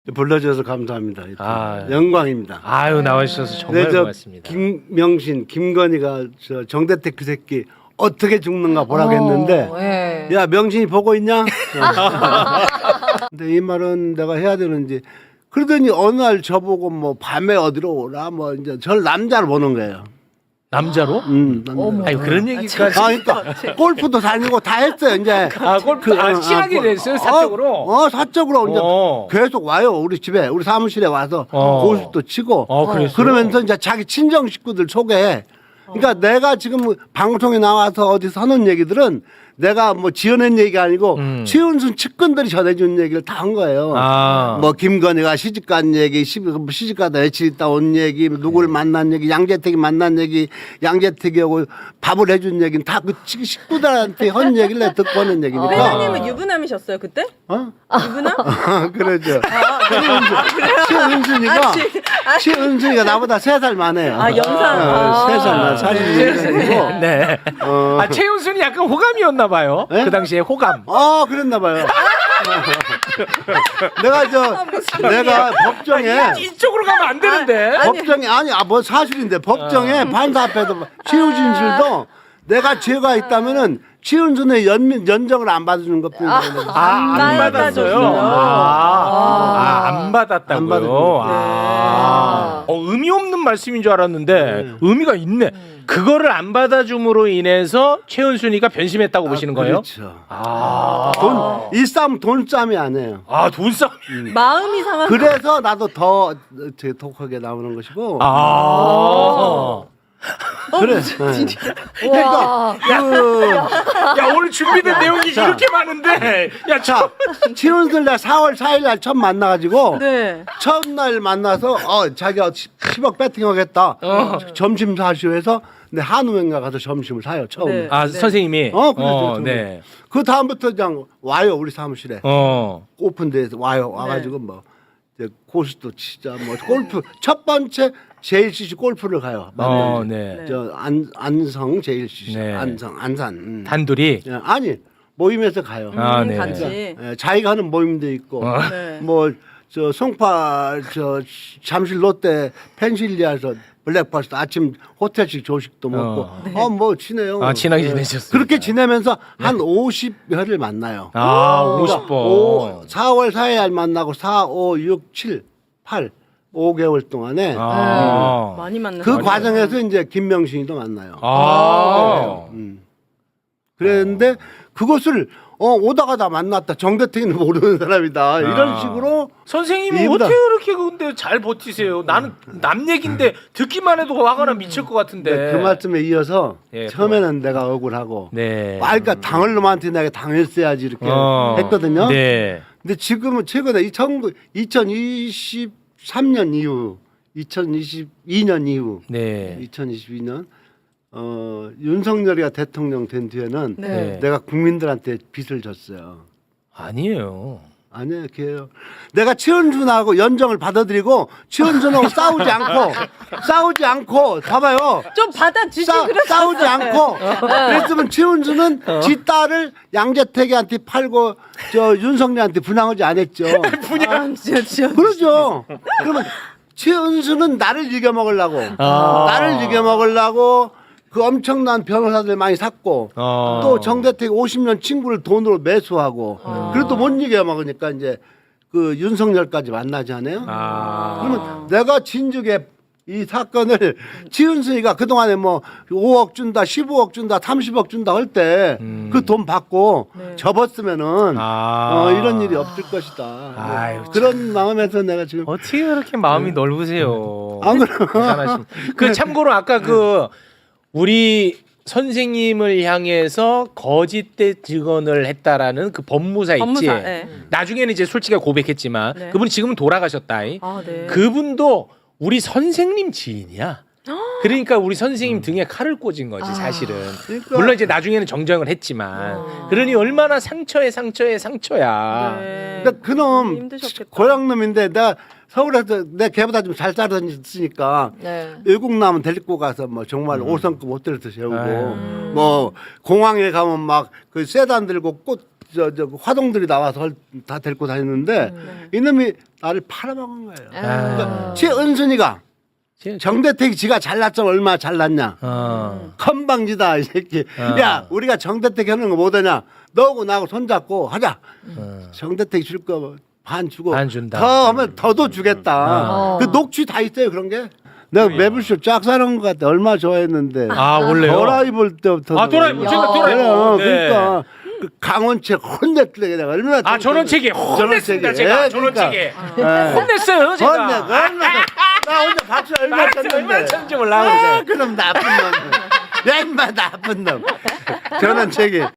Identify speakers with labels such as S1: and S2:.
S1: 불러주셔서 감사합니다.
S2: 아,
S1: 영광입니다.
S2: 아유 나와주셔서 정말
S1: 네,
S2: 고맙습니다.
S1: 김명신, 김건희가 저 정대택 그 새끼 어떻게 죽는가 보라고 했는데
S3: 예.
S1: 야 명신이 보고 있냐? 근데 이 말은 내가 해야 되는지 그러더니 어느 날 저보고 뭐 밤에 어디로 오라 뭐 이제 절 남자로 보는 거예요.
S2: 남자로?
S1: 남자.
S2: 아니 그런 얘기까지.
S1: 그러니까 골프도 다니고 다 했어요 이제.
S2: 아 골프 친하게 됐어요 사적으로.
S1: 사적으로 이제 계속 와요 우리 집에 우리 사무실에 와서 고수도 치고.
S2: 그랬어요?
S1: 그러면서 이제 자기 친정 식구들 소개해. 그러니까 내가 지금 방송에 나와서 어디서 하는 얘기들은 내가 뭐 지어낸 얘기가 아니고 최은순 측근들이 전해준 얘기를 다 한 거예요. 뭐 김건희가 시집간 얘기, 시집가다 며칠 있다 온 얘기, 누구를 만난 얘기, 양재택이 만난 얘기, 양재택이하고 밥을 해준 얘기는 다 그 식구들한테 한 얘기를 내가 듣고 하는 얘기니까.
S3: 회장님은 유부남이셨어요 그때? 유부남?
S1: 그러죠. 최은순이가 나보다 3살 많아요.
S3: 영상.
S1: 3살 많아. 42년생이고.
S2: 네. 아 최은순이 약간 호감이었나 봐요.
S1: 네?
S2: 그 당시에 호감.
S1: 그랬나 봐요. 내가 법정에
S2: 이쪽으로 가면 안 되는데.
S1: 법정에 뭐 사실인데 법정에 판사 앞에도 최우진실도 내가 죄가 있다면은 최은순의 연정을 안 받아주는 것뿐이에요.
S2: 안 받았어요. 안 받았다고요.
S1: 안 받았군요.
S2: 의미 없는 말씀인 줄 알았는데 의미가 있네. 그거를 안 받아줌으로 인해서 최은순이가 변심했다고 보시는 거예요?
S1: 그렇죠. 이 싸움 돈싸움이 아니에요.
S2: 돈싸움.
S3: 마음이 상한.
S1: 그래서 나도 더 독하게 나오는 것이고. 그래. 그러니까
S2: 야 오늘 준비된 내용이 이렇게 많은데.
S1: 자, 최은순 날 4월 4일 날 처음 만나가지고
S3: 네.
S1: 첫날 만나서 자기가 10억 배팅하겠다. 점심 사시오 해서 내 한우행가 가서 점심을 사요 처음.
S3: 네.
S2: 선생님이.
S1: 그래서
S2: 네.
S1: 그 다음부터 그냥 와요 우리 사무실에. 오픈데에서 와가지고 뭐 이제 고수도 치자 뭐 골프 첫 번째 JLCC 골프를 가요.
S2: 네.
S1: 저 안성 JLCC
S2: 네.
S1: 안산.
S2: 단둘이.
S1: 아니 모임에서 가요.
S2: 네.
S3: 같이.
S1: 자기가 하는 모임도 있고 뭐 저 송파 저 잠실 롯데 펜실리아에서 블랙버스트 아침 호텔식 조식도 먹고 뭐 친해요.
S2: 친하게 지내셨어요.
S1: 그렇게 지내면서 한 50회를 만나요.
S2: 50번.
S1: 4월 4일 만나고 4, 5, 6, 7, 8 5개월 동안에
S3: 많이 만났어요.
S1: 그 과정에서 이제 김명신이도 만나요. 그랬는데 그것을 오다가 다 만났다. 정대택이는 모르는 사람이다. 이런 식으로
S2: 선생님은 어떻게 그렇게 근데 잘 버티세요? 나는 남 얘긴데 듣기만 해도 화가 나 미칠 것 같은데.
S1: 그 말씀에 이어서
S2: 예,
S1: 처음에는 내가 억울하고
S2: 네.
S1: 그러니까 당할 놈한테 내가 당했어야지 이렇게 했거든요.
S2: 네.
S1: 근데 지금은 최근에 2023년 이후 2022년 이후
S2: 네.
S1: 2022년 윤석열이가 대통령 된 뒤에는
S3: 네.
S1: 내가 국민들한테 빚을 졌어요.
S2: 아니에요.
S1: 아니에요, 걔요. 내가 최은순하고 연정을 받아들이고 최은순하고 싸우지 않고 봐봐요.
S3: 좀 받아주지
S1: 싸우지 않고 그랬으면 최은순은 지 딸을 양재택이한테 팔고 저 윤석열한테 분양하지 않았죠.
S3: 분양. 진짜.
S1: 그러죠. 그러면 최은순은 나를 이겨먹으려고 나를 이겨먹으려고 그 엄청난 변호사들 많이 샀고 또 정대택 50년 친구를 돈으로 매수하고 그래도 못 이겨먹으니까 이제 그 윤석열까지 만나지 않아요? 그러면 내가 진즉에 이 사건을 지은순이가 그동안에 뭐 5억 준다 15억 준다 30억 준다 할 때 그 돈 받고 접었으면은 이런 일이 없을 것이다.
S2: 아유,
S1: 그런 마음에서 내가 지금
S2: 어떻게 그렇게 마음이 넓으세요?
S1: 안 그래요?
S2: 그 참고로 아까 그 우리 선생님을 향해서 거짓된 증언을 했다라는 그 법무사 있지.
S3: 네.
S2: 나중에는 이제 솔직히 고백했지만
S3: 네.
S2: 그분이 지금은 돌아가셨다.
S3: 네.
S2: 그분도 우리 선생님 지인이야. 그러니까 우리 선생님 등에 칼을 꽂은 거지 사실은.
S1: 그러니까.
S2: 물론 이제 나중에는 정정을 했지만 그러니 얼마나 상처야.
S3: 네.
S1: 근데 그놈
S3: 힘드셨겠다.
S1: 고향놈인데 내가 서울에서 내 걔보다 좀 잘 살았으니까
S3: 네.
S1: 외국 나면 데리고 가서 뭐 정말 5성급 호텔에서 재우고 뭐 공항에 가면 막 그 세단 들고 꽃 저 화동들이 나와서 다 데리고 다녔는데 이놈이 나를 팔아먹은 거예요. 그러니까 최은순이가 정대택이 지가 잘났죠. 얼마나 잘났냐. 건방지다 이 새끼. 야 우리가 정대택 하는 거 못하냐. 너하고 나하고 손잡고 하자. 정대택이 줄 거 반 주고
S2: 반 준다.
S1: 더 하면 더도 주겠다. 그 녹취 다 있어요 그런 게. 내가 매불쇼 쫙 사는 것 같아. 얼마나 좋아했는데.
S2: 아 원래요?
S1: 도라이 볼 때부터.
S2: 도라이 제가 도라이.
S1: 그러니까 그 강원책 혼냈더니 내가 얼마나.
S2: 전원책에 혼냈습니다. 제가 전원책에
S1: 네.
S2: 혼냈어요. 제가.
S1: 혼내. 얼마나 나 혼자 박수 얼마나 쳤는데.
S2: 얼마나 쳤는지 몰라.
S1: 그럼 나쁜 놈. 야 임마 나쁜 놈. 전원책이